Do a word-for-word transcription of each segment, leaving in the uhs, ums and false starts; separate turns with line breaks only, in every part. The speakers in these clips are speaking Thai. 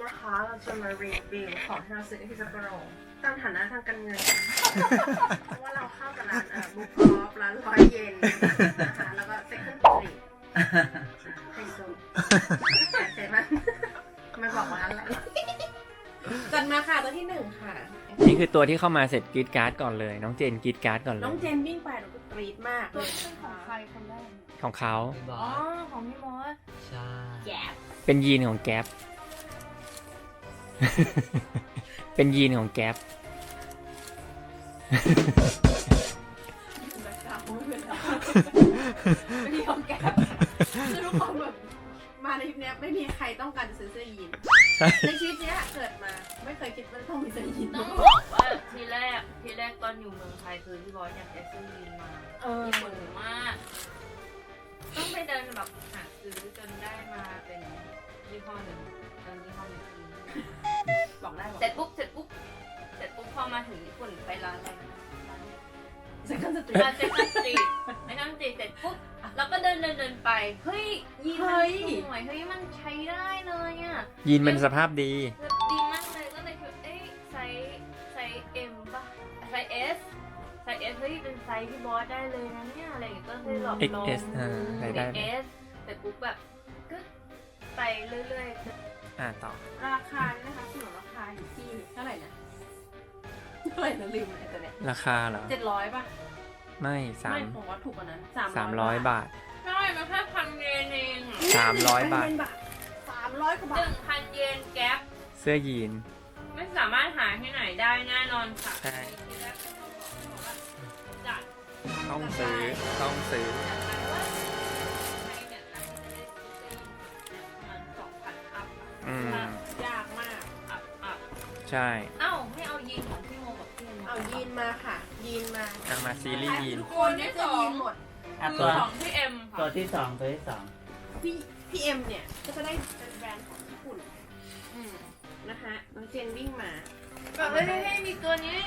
นะคะเราจะมารีวิวของที่เราซื้อที่ซัปโปโรตามฐานะทางการเงิน เพราะว่าเราเข้ากับร้านเอ่อบุ๊กออฟร้านร้อยเยนนะคะแล้วก็เซ็กซ์ตรีทไฮโซแต่เซ็ตมันไม่บอกว่าอะไรจัดมาค่ะตัวที่หนึ่งค่ะ
นี่คือตัวที่เข้ามาเสร็จกรีดการ์ดก่อนเลยน้องเจนกรีดการ์ดก่อนเลย
น้องเจนวิ่งไปหนูก็กรี๊ดมาก
ตัวนี้เป็นของใครคนแรก
ของเขา
อ๋อ ของพี่มอส
ใช่
แย่
เป็นยีนของแก๊ป เป็นยีนของแก๊ป
แบ็คกราวด์ไม่เป็นไรไม่มีของแกคือทุกคนแบบมาในทริปเนี้ยไม่มีใครต้องการซื้อเสื้อยีน
ใช่
ในชีวิตเนี้ยเกิดมาไม่เคยคิดว่าต้องมีเสื้อยีน
ต้องบอกว่าทีแรกทีแรกตอนอยู่เมืองไทยคือพี่บอสอยากได้ซื้อยีนมา
เออ
ญี่ปุ่นมากต้องไปเดินแบบหาซื้อจนได้มาเป็นยี่ห้อหนึ่งจนยี่ห้อหนึ่งที
บอกได้บอก
เสร็จปุ๊บเสร็จปุ๊บเสร็จปุ๊บพอมาถึงญี่ปุ่นไปร้านอะไรนะร้าน
เซ็กซ์สตรี
ร้านเซ็กซ์สตรีทไปนั่งสตรีทเสร็จปุ๊บแล้วก็เดินเดินเดินไปเฮ้ยยีนมันสวยเฮ้ยมันใช้ได้เลยอ่ะ
ยีนเป็นสภาพดี
แบบดีมากเลยก็เลยคิดเอ้ยไซส์ไซส์ M ป่ะไซส์ S ไซส์ S เฮ้ยเป็นไซส์ที่บอสได้เลยนะเนี่ยอะไรอย่างเงี้ยก็เลยลอง
เอ็ก
ลอง
เอส อ่าใช้ได้
เอ็ก เอส แต่ปุ๊บแบบก็ไปเรื่อยๆ
อ่าต่อ
ราคาเนี่ยนะคะสนุนราคาอยู่ที่เท่าไหร่นะเท่าไหร่นะลืมเลยแต่เนี่ย
ราคาเหรอ
เจ็ดร้อยป่ะ
ไม่สาม
ไม่ผมว่าถูกกว่านั้น
สามร้อยบาท
ใช่มันแค่พันเยนเอง
สามร้อยบาท
สามร้อยกว่า
ห
บาท
นึ่งพันเยนแก๊ป
เสื้อยีน
ไม่สามารถหาที่ไหนได้แน่นอนค่ะ
ใช่
ทีแรกก็บอกบอกว่าจัด
ต้องซื้อ ต้องซื้อ
จัดไปว่าใครเนี่ยน่าจะได้ซื้อประมาณสองพันอัพ
อืม
ยากมาก
อัพอัพ
ใช่
เอ้าให้เอายีนของพี่โมกับพี่เอ็ม
เอายีนมาค่ะ ยีนมา
เอามาซีรีส์ยีน
ทุกคนได้เสื้อยีนหมด
อ่ะ
คื
ตั
อ
ว
ของพี่เอ็ม
ตัว
ค่ะ
ที่สองตัวที่สอง
พี่พี่เอ็มเนี่ยก็จะได้เป็นแบรนด์ของญี่ปุ่นอืมนะคะน้องเจนวิ่งมา
แบบไม่ให้มีตัวนี้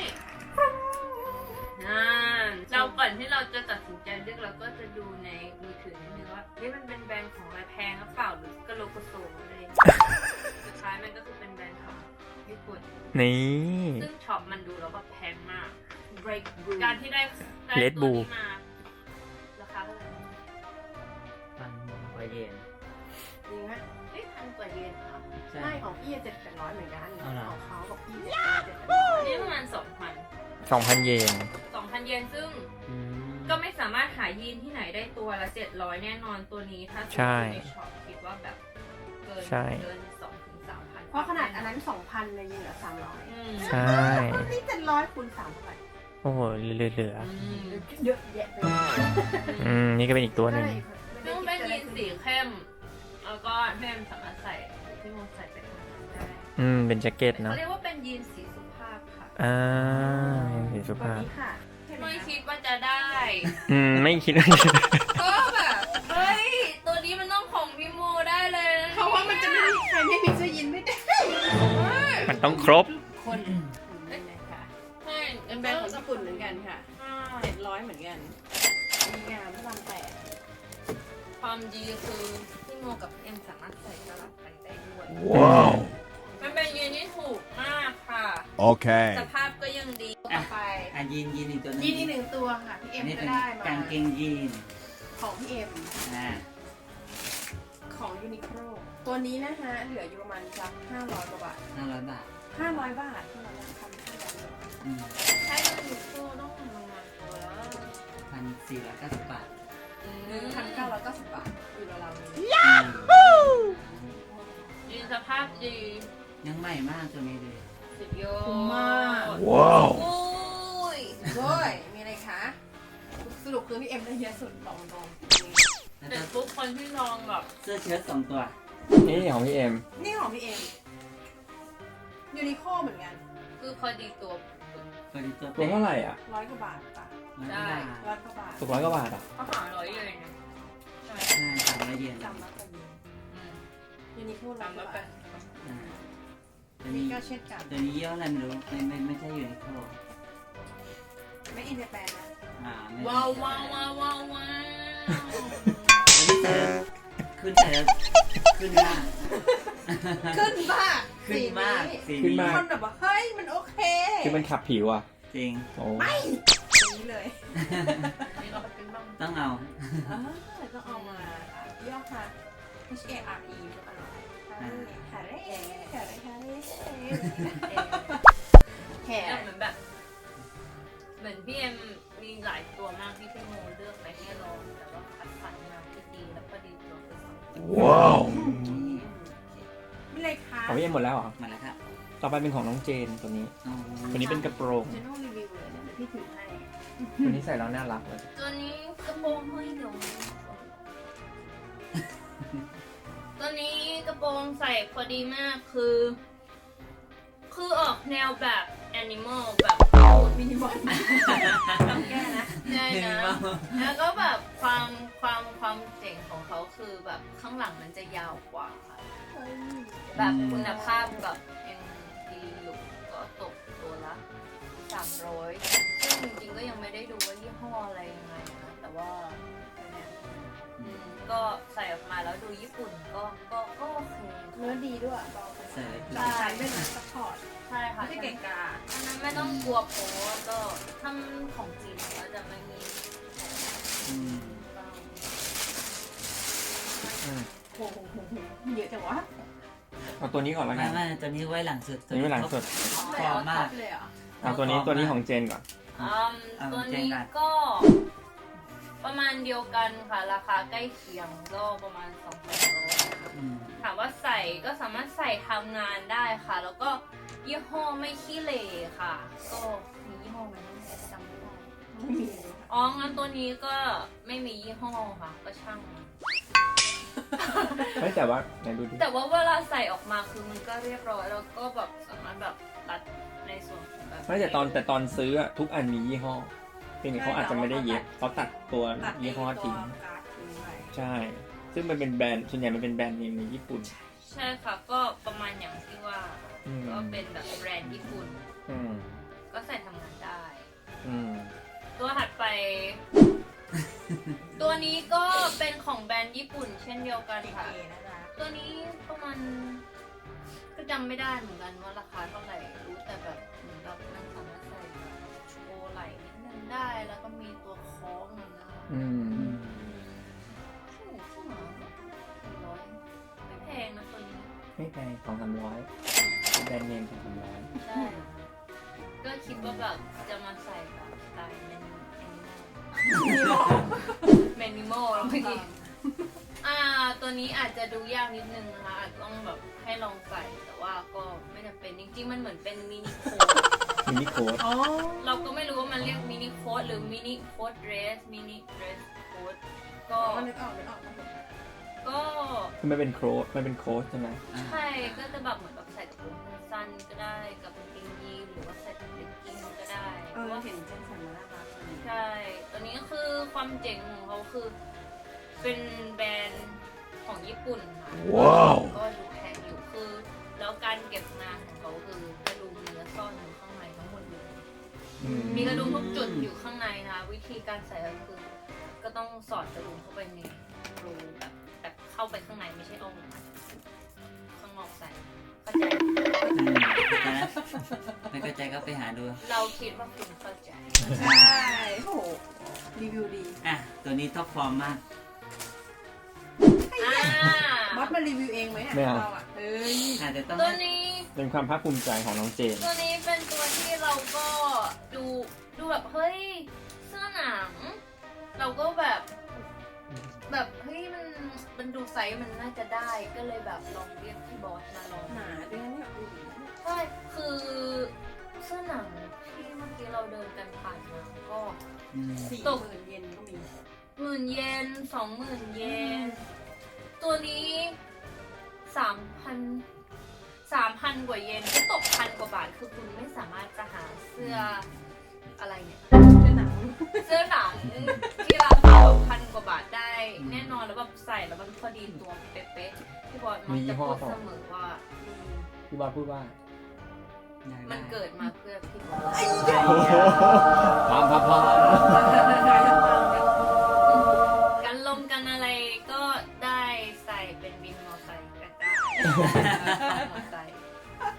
นั่นเราก่อนที่เราจะตัดสินใจเลือกเราก็จะดูในมือถือนิดนึงว่าเฮ้ยมันเป็นแบรนด์ของอะไรแพงหรือเปล่าหรือกะโลกะโซอะไรอย่างเงี้ยสุดท้ายมันก็คือเป็นแบรนด์ของญี่ปุ่น
นี่
ซึ่งช็อปมันดูแล้วแบบแพงมาก
break blue
การที่ได้ได้
Red
ตัว
Bull
นี้มาราคาเท่าไหร่
พันกว่าเยน
จริงไหม
เฮ้ยพันกว่าเยนเหรอ
ใช่
ไม่ของพี่เจ็ดแปดร้อยเหมือนกัน
เอาเหรอ
ของเขาบอกพี่เจ็ดแปดร้อย
นี่ประมาณสองพัน
สองพันเยน
สองพันเยนซึ่ง
อืม
ก็ไม่สามารถหายีนที่ไหนได้ตัวละเจ็ดร้อยแน่นอนตัวนี้ถ้าซื้
ใช่
อในช็อปคิดว่าแบบเกิน
ใช่
เกินสองถึงสามพัน
เพราะขนาดอันนั้นสองพันเลยยิงเหลือสามร้อย
อืม
ใช่
นี่เจ็ดร้อยคูณสามพัน
โอ้โห เหลือเหลือ
อืม
เยอะแยะไปหมด
อืม นี่ก็เป็นอีกตัวหนึ่ง
ซึ่งเป็นยีนสีเข้ม แล้วก็แม่สามารถใส่ที่โมใส่ไปทำงานได้
อืม เป็นแจ็คเก็ต
เขา
เนาะ
เรียกว่าเป็นยีนสีสุภาพค่ะ
อ่าสีสุ
ตัว
ภาพ
นี้ค่ะ
ไม่คิดว่าจะได้
อืม ไม่คิดว่าจะ
ก็แบบเฮ้ยตัวนี้มันต้องของพี่โมได้เลยน
เพราะว่ามันจะไม่มีใครไม่มีเสื้อยีนไม่ได้
มันต้องครบ
คนเป็นไงคะ
ใช่
เป็นแบรนด์ของญี่ปุ่นเหมือนกันค่ะ
ใช่
เจ็ดร้อยเหมือนกันมีงามพระรามแปด
ความดีคือพี่โมกับเอ็มสามารถใส่สลับกันได้ด้วย
ว้าว
มันเป็นยีนที่ถูกมากค่ะ
Okay.
สภาพก็ยังดี
ต่อไป
อ่ะยีนยีนอีกตัวหนึง
ยีนอีกหนึ่งตัวค่ะพี่เอ็
อั
ม
นนี้
ก็
เป็น
ได้มาก
างเกงยีน
ของพี่เอ็ม
อ่า
ของยูนิโคลตัวนี้นะคะเหลืออยู่ประมาณสักห้าร้อยกว่าบาท
ห้าร้อยบาท
ห้าร้อยบาทที่เราทำให้กัน
อืม
ใช้ยูนิโคลต้องประมาณตัวละ
พันสี่ร้อยเก้าสิบบาท
หนึ่งพันเก้าร้อยเก้าสิบบาทอยู่ราวๆนี้
อืม
ยีนสภาพดี
ยังใหม่มากตัวนี้เลย
สุดยอด
คุ้มมาก
ว้าว
โอ้ย
ด้วยมีอะไรคะสรุปคือพี่เอ็มได้เยอะสุดบอกตรง
แล้ว
แต่
ก็
ปุ๊บคนที่ลองแบบ
เสื้อเชิ้ตสองตัว
นี่ของพี่เอ็ม
ๆนี่ของพี่เอ็มยูนิโคลเหมือนกัน
คือพอดีตัว
พอดีตัว
ตัวเท่าไหร่อ่ะ
ร้อยกว่าบาทป่ะ
ร้อยกว่าบาท
ร้อยกว่าบาท
ถูกร้อยกว่าบาทอ่ะ
เขาหาร้อยเลยนะใช่ไหม
ใช่สามร้อยเยน
จำแล้วกัน
อืม
ยูนิโคลร้อ
ตาย ม
ก
มา
ว่า
เป็
บาน ท
อ่าตัว
นี่
นี้
ก็เช่นกัน
ตัวนี้ยี่ห้ออะไรไม่รู้ไม่ไม่ไม่ใช่ยูนิโคล
ไม่อินเตอร์แปนนะ
อ่าไม่
ว้าวว้าวว้าวว้าวว้าว
ตัวนี้เธอขึ้นเธอขึ้นหน้า
ขึ้นบ้า
ขขึ้นมากสี
ขึ้น
นี้
มาก
คนแบบว่าเฮ้ยมันโอเค
คือมันขับผิวอ่ะ
จริง
โอ้
ไม่อย่างนี้เลย
นี่เราไปเป็นบ้าง
ต้องเอา
เออต้องเอามาย่อค่ะ H A R E ก็อร่อยฮาเร่ฮาเร่ฮาเร่แห่
เหมือนแบบ เหมือนพี่เอ็มมีหลายตัวมากที่พี่โมเลือกไปให้ลองแต่ว่าคัดสรรมาที่ดีแล้วพอดีตัวไปสองตัว
ว้าว
ไม่เลยค่ะ
ของพี่เอ็มหมดแล้วเหรอ
มาแล้วครับ
ต่อไปเป็นของน้องเจนตัวนี้
อ๋อ
ตัวนี้เป็นกระโปรง
เจนต้องรีวิวเลยนะเดี๋ยวพี่ถือให้
ตัวนี้ใส่แล้วน่ารักเลย
ตัวนี้กระโปรงเฮ้ยเดี๋ยวตัวนี้กระโปรงใส่พอดีมากคือ คือออกแนวแบบแอนิมอลแบบ
มินิมอลต้องแก้นะ
ใช่นะ แล้วก็แบบความความความเจ๋งของเขาคือแบบข้างหลังมันจะยาวกว่า แบบคุณภาพแบบยังดีอยู่ก็ตกตัวละสามร้อยซึ่งจริงๆก็ยังไม่ได้ดูว่ายี่ห้ออะไรยังไงนะแต่ว่าเนี่ยอืมก็ใส่ออกมาแล้วดูญี่ปุ่นก็ก็ก็โอเค
เนื้อดีด้วยเบาไป
เสริม
หลักฐานเป็นซัพพอร์ต
ใช่ค่ะ
ไม่ใช่เก่งกา
อันนั้นไม่ต้องกลัวโป๊ะก็ทำของจริงแล้วจะไม่มี
อืม
อืม
โอ้โหเยอะจังวะ
เอาตัวนี้ก่อนแล้วกั
ไม่
น
ไม่ตัวนี้ไว้หลังสุด
ตัวนี้ไว้หลังสุด
เลยเหรอท็อปเลยเหรอ
เอาตัวนี้ตัวนี้ของเจนก่อน
อืมตัวนี้ก็ ประมาณเดียวกันค่ะ ราคาใกล้เคียงก็ประมาณสองพันโล
อืม
ถามว่าใส่ก็สามารถใส่ทำงานได้ค่ะ แล้วก็ยี่ห้อไม่ขี้เหร่ค่ะ ก็มียี่ห้อไหมจำไม่ได้
ไม่มีเลยค่ะ
อ๋องั้นตัวนี้ก็ไม่มียี่ห้อค่ะ ก็ช่างมัน
ไม่แต่ว่าไหนดูดิ
แต่ว่าเวลาใส่ออกมาคือมันก็เรียบร้อยแล้วก็แบบสามารถแบบรัดในส่วนของแบบ
ไม่แต่ตอนแต่ตอนซื้ออะทุกอันมียี่ห้อเพียงแต่เขาอาจจะไม่ได้เย็บเขาตัดตัว
ตัด
ยี่ห้อทิ้ง
ตัวการ์ดทิ้งไป
ใช่ ซึ่งมันเป็นแบรนด์ส่วนใหญ่มันเป็นแบรนด์เนมในญี่ปุ่น
ใช่ค่ะ ก็ประมาณอย่างที่ว่า
อืม
ก็เป็นแบบแบรนด์ญี่ปุ่น
อืม
ก็ใส่ทำงานได้
อืม
ตัวถัดไป ตัวนี้ก็เป็นของแบรนด์ญี่ปุ่น เช่นเดียวกันค่ะ
เอนะจ๊ะ
ตัวนี้ประมาณก็จำไม่ได้เหมือนกันว่าราคาเท่าไหร่รู้แต่แบบเหมือนแบบมันสามารถใส่แบบโชว์ไหล่นิดนึงได้แล้วก็มีตัวคล้องอะนะ
อืม
ถูกใช่ไหมสี่ร้อยไม่แพงนะตัวนี้
ไม่แพงสองสามร้อยแบรนด์เนมสองสามร้อย
ใช่ก็คิดว่าแบบจะมาใส่แบบสไตล์แมนแมนนิมอลแล้วเมื่อกี้อ่าตัวนี้อาจจะดูยากนิดนึงนะคะอาจต้องแบบให้ลองใส่แต่ว่าก็ไม่จำเป็นจริงๆมันเหมือนเป็นมินิโค้ด
มินิโค้ด
อ๋อ
เราก็ไม่รู้ว่ามันเรียกมินิโค้ดหรือมินิโค้ดเดรสมินิเดรสโค้ดก็
ก็นึกออกนึกออกครับผม
ก็
คือมันเป็นโค้ดมันเป็นโค้ดใช่ไหม
ใช่ก็จะแบบเหมือนแบบใส่กระโปรงสั้นๆก็ได้กับกางเกงยีนหรือว่าใส่กับเลกกิ้งก็ได้
เออเห็นเจนสันมาแล้วครับ
ใช่ ตัวนี้ก็คือความเจ๋งของเขาคือ เป็นแบรนด์ของญี่ปุ่นค่ะ
ว้าว
ก็ดูแพงอยู่คือ แล้วการเก็บงานของเขาคือกระดุมเนื้อซ่อนอยู่ข้างในทั้งหมดเลย
อืม
มีกระดุมทุกจุดอยู่ข้างในนะคะวิธีการใส่ก็คือ ก็ต้องสอดกระดุมเข้าไปในรูแบบแบบเข้าไปข้างในไม่ใช่เอาออกมาข้างนอกใส่เข้าใจ
อืมเข้าใจแล้วไม่เข้าใจก็ไปหาดู
เราคิดว่าคุณเข้าใจ
ใช่โอ้โหรีวิวดี
อ่ะ ตัวนี้ท็อปฟอร์มมาก
อ่า
บอสมารีวิวเองไหมอ่ะ
ไม่เอา
เราอ่ะเอ้ย
อาจจะต้อง
ตัวนี้
เป็นความภาคภูมิใจของน้องเจน
ตัวนี้เป็นตัวที่เราก็ดูดูแบบเฮ้ยเสื้อหนัง เราก็แบบ แบบเฮ้ยมันมันดูไซส์มันน่าจะได้ก็เลยแบบลองเรียกพี่บอสมาลอง
หนาด้วยนะเนี่ยอุ้ย
ใช่คือเสื้อหนังที่เมื่อกี้เราเดินกันผ่านมาก็
อืม
สี่
ตก
หมื่นเยนก็มี
หมื่นเยนสองหมื่นเยน ตัวนี้สามพันสามพันกว่าเยนก็ตกพันกว่าบาทคือคุณไม่สามารถจะหาเสื้ออะไรเนี่ย
เสื้อหนัง
เสื้อหนังที่ราคาแบบพันกว่าบาทได้ แน่นอนแล้วแบบใส่แล้วมันพอดีตัวเป๊ะๆพี่บอสมักจะพูดเสมอว่า
พี่บอสพูดว่า
อยากได้
มันเกิดมาเพื่อพี่บอส
พามพามพาม
กันลมกันอะไรก็ได้ใส่เป็นวินมอไซค์ก็ได้มอไซค์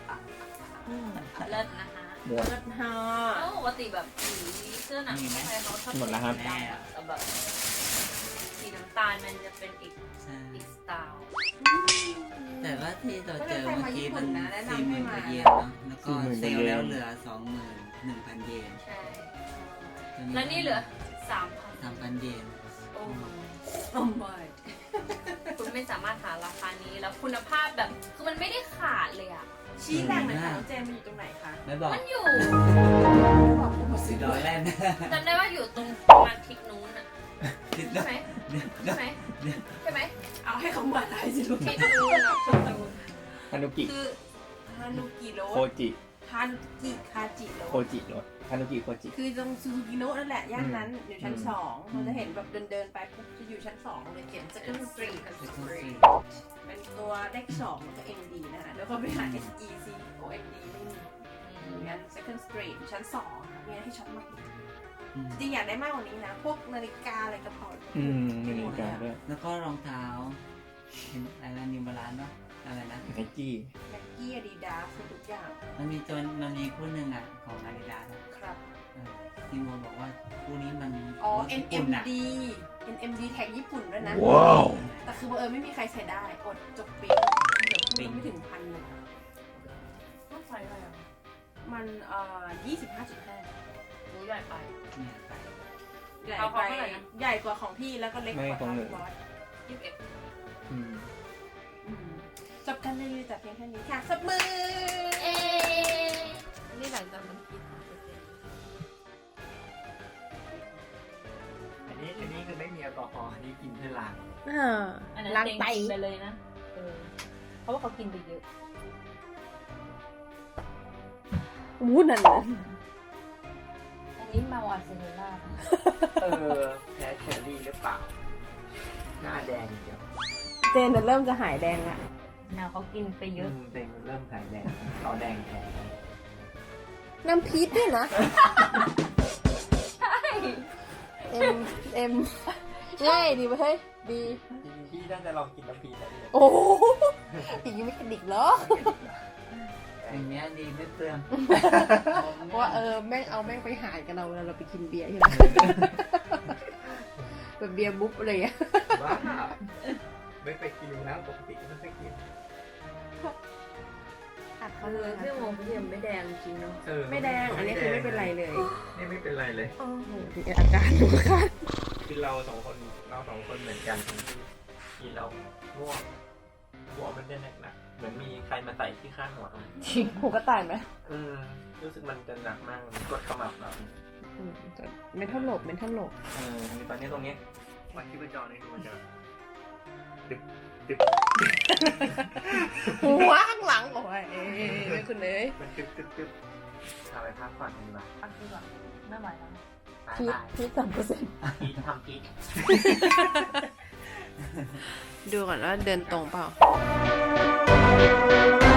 หมด
เลิศฮะ
แล้วปกติแบบสีเสื้อหนังไทยเขาชอบ
หมดแล้วครับ
สีดำอะแต่แบบสีน้ำตาลมันจะเป็นอีก
ใช่
อีกสไตล์
แต่ว่าที่เราเจอเมื่อกี้มัน
ถ้าใครมาญี่ปุ่นนะแนะนำ
สี่ห
ให้
มื่นก
มา
ว่าเยนเนาะแล้วก็
สี่หมื่น
เซ
กว่าเยน
ลล์แล้วเหลือสองหมื่นหนึ่งพันเยน
ใช่
ตอ
แล้วนี่เหลือสามพัน
สามพันเยน
โอ้
โอ้ไม่
คุณไม่สามารถหาราคานี้แล้วคุณภาพแบบคือมันไม่ได้ขาดเลยอ่ะ
ชี้แหล่งหน่อยค่ะน้องเจนมันอยู่ตรงไหนคะ
ไม่บอก
มันอยู่
บอกผมมา
สี่
ซื้อ
ร้อยแรกนะ
จำได้ว่าอยู่ตรงประมาณทิศนู้นอ่ะ
คิด
ใช่ไหม
เดี๋ยว
ใช่ไหมใช่ไหม
เอาให้เขามาได้สิลูก
ทิศนู้นอะทิศนู้น
ฮานุกิ
คือ ฮานุกิโร
โคจิ
ฮานุกิคาจิโร
โคจิรถฮานุกิโคจิ
คือตรงซูซูกิโนะนั่นแหละย่านนั้นอยู่ชั้น
อืม
สองเราจะเห็นแบบเดินเดินๆไปปุ๊บจะอยู่ชั้นสองเลยเขียน second street
เป็นคนสี่
เป็นตัวเลขสองแล้วก็ M D นะคะแล้วก็ไปหา S E C O N D ไม่มีอยู่ยัน second street ชั้นสองค่ะมีอะไรให้ช็อปมาก
อืม
จริงอยากได้มากกว่านี้นะ พวกนาฬิกาอะไรกระเป๋า
อืมมีนาฬิกาด้วย
แล้วก็รองเท้าเห็นอะไรนะนิวบาลานซ์เนาะอะไรนะ
ไนกี้
แม็กกี้อาดิดาสทุกอย่าง
มันมีตัวมันมีคู่หนึ่งอ่ะของอาดิดาส
ครับ
ที่โมบอกว่าคู่นี้มัน
อ๋อ
รถญี่ปุ่
N M
อะ
D N M D แท็กญี่ปุ่นด้วยนะ
ว้าว
แต่คือบังเอิญไม่มีใครใช้ได้อดจบปิ๊งเดี๋ยวคุณไม่ถึงพันหนึ่งอะ
ต้องใส่อะไรอ่ะ
มันเอ่อยี่สิบห้าจุดห้า
รู้ใหญ่ไป
เนี่ยไป
ใหญ่
เอา
ไป
เขาเท่าไหร่นะ
ใหญ่กว่าของพี่แล้วก็เล็กกว่าของบอส
ยี่สิบเอ็ด
อืม
อืมจบกันเลยแต่เพียงแค่นี้ค่ะสับมือ
เอ๊นี่หลังจากมันคิด
อันนี้อันนี้คือไม่มีแอลกอฮอล์อันนี้กินเพื่อล้าง
อันนั้น
ล้าง
เต็ง
ไต
กินไปเลยนะเออเพราะว่าเขากินไปเยอะ
อู้นั่นน่ะ
อันนี้มาอาร์เซโนล่า
เออแพ้เชอรี่หรือเปล่า หน้าแดงเดียว
เจนน่ะเริ่มจะหายแดงละ
แนวเขากินไปเยอะ
แดงเริ่มหายแดงต่อแดงแทน
น้ำพีชด้วยนะ
ใช่
เอ็มเอ็มง่ายดีเฮ้ยดี
พี่น่าจะลองกินน้ำพีแล้วเนี่ย
โอ้โหอย่างนี้ไม่กระดิกเหรอ
อย่างเงี้ยดีไม่เปลือง
เพราะว่าเออแม่งเอาแม่งไปหารกันเราเวลาเราไปกินเบียร์ใช่ไหมแบบเบียร์บุ๊บอะไรอย่างเงี้ย
ว้าไม่ไปกินนะปกติไม่ไปกิน
อัด
เอ
เขาเล
อย พี่โมพี่ยังไม่แดงจริงเนาะ
เออ
ไม่แดง อันนี้คือไม่เป็นไรเลย
นี่ไม่เป็นไรเลย
โอ้โหอาการดูค่ะ
คือเราสองคนเราสองคนเหมือนกันที่ที่เราง่วงหัวมันจะหนักๆเหมือนมีใครมาใส่ที่ข้างหัวเรา
หูกระต่ายไหม
อืมรู้สึกมันจะหนักมากมันกดขมับเรา
อืมเมทัลโลบเมทัลโลบ
เออตอนนี้ตรงนี้วันที่ประจรนี่มันจะดึกดึก
หัวข้างหลังโอ้ยเอ้ยคุณเอ้ย
มันดึกดึกดึกเอาไปพักผ่อนดีกว่า
ปักดีกว่าไม่ไหวแล้ว
บาย
พี
บาย
พีสามเปอร์เซ็นต์
พีททำพี
ดูก่อนว่าเดินตรงเปล่า